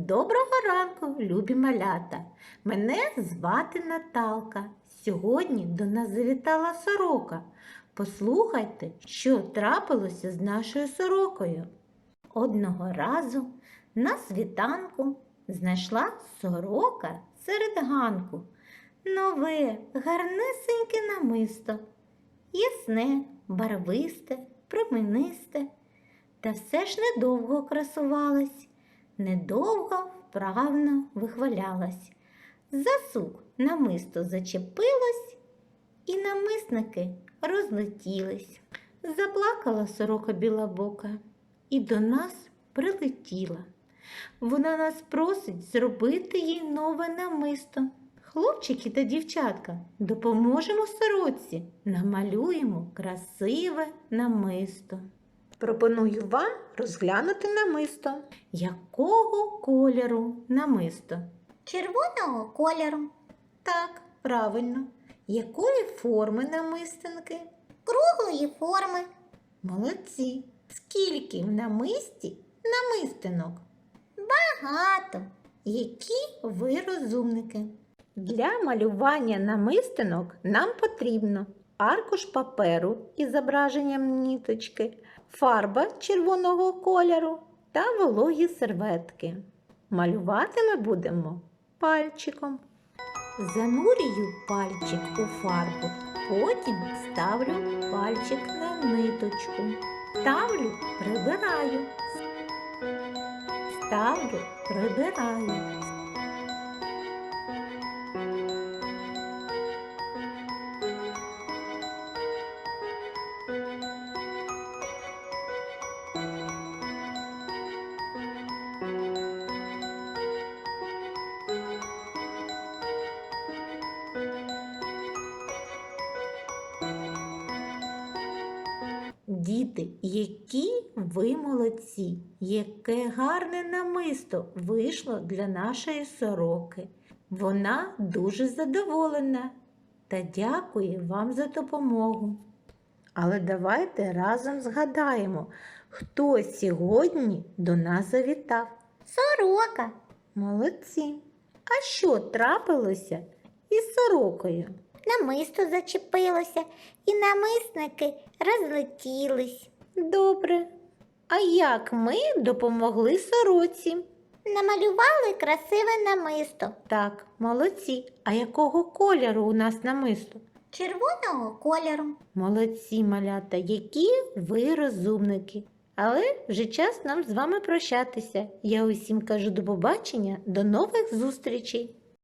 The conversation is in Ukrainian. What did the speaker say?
Доброго ранку, любі малята! Мене звати Наталка. Сьогодні до нас завітала сорока. Послухайте, що трапилося з нашою сорокою. Одного разу на світанку знайшла сорока серед ганку нове, гарнесеньке намисто, ясне, барвисте, променисте. Та все ж недовго красувалась. Недовго вправно вихвалялась. За сук намисто зачепилось, і намисники розлетілись. Заплакала сорока білобока і до нас прилетіла. Вона нас просить зробити їй нове намисто. Хлопчики та дівчатка, допоможемо сороці, намалюємо красиве намисто. Пропоную вам розглянути намисто. Якого кольору намисто? Червоного кольору, Так, правильно. Якої форми намистинки? круглої форми, Молодці. Скільки в намисті намистинок? багато, Які ви розумники? Для малювання намистинок нам потрібно аркуш паперу із зображенням ниточки, фарба червоного кольору та вологі серветки. Малювати ми будемо пальчиком. Занурюю пальчик у фарбу, потім ставлю пальчик на ниточку. Ставлю, прибираю. Ставлю, прибираю. Діти, які ви молодці! Яке гарне намисто вийшло для нашої сороки. Вона дуже задоволена та дякує вам за допомогу. Але давайте разом згадаємо, хто сьогодні до нас завітав. сорока, Молодці! А що трапилося із сорокою? намисто зачепилося, і намисники розлетілись. Добре. А як ми допомогли сороці? Намалювали красиве намисто, Так, молодці. А якого кольору у нас намисто? червоного кольору. Молодці, малята, які ви розумники. Але вже час нам з вами прощатися. Я усім кажу до побачення, до нових зустрічей.